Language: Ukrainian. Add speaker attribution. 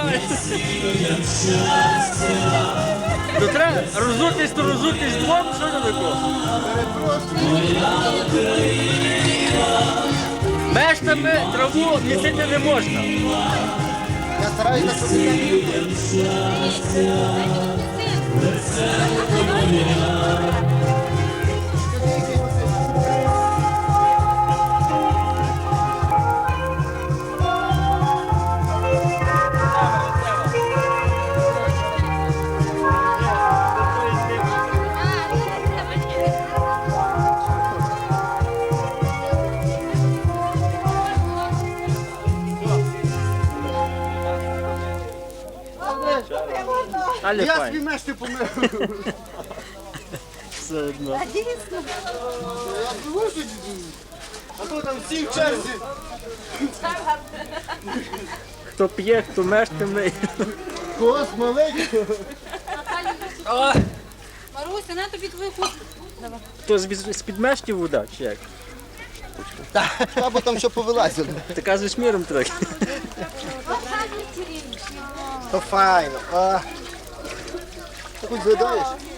Speaker 1: правильно. То треба розутись, то розутись двом, що не тако? Мештами траву місити не можна.
Speaker 2: Я стараюсь на собі.
Speaker 1: Але
Speaker 2: Я
Speaker 1: файно.
Speaker 2: свій мешти помив.
Speaker 1: Все одно.
Speaker 2: Я привожу, а то там всі в черзі.
Speaker 1: Хто п'є, хто мештами.
Speaker 2: Кос маленький.
Speaker 3: Маруся, на тобі твою хустку.
Speaker 1: Хто з-під мештів вода, чи як?
Speaker 2: Або там що повилазило.
Speaker 1: Така з шміром трохи.
Speaker 2: То файно. Ти хоч згадаєш?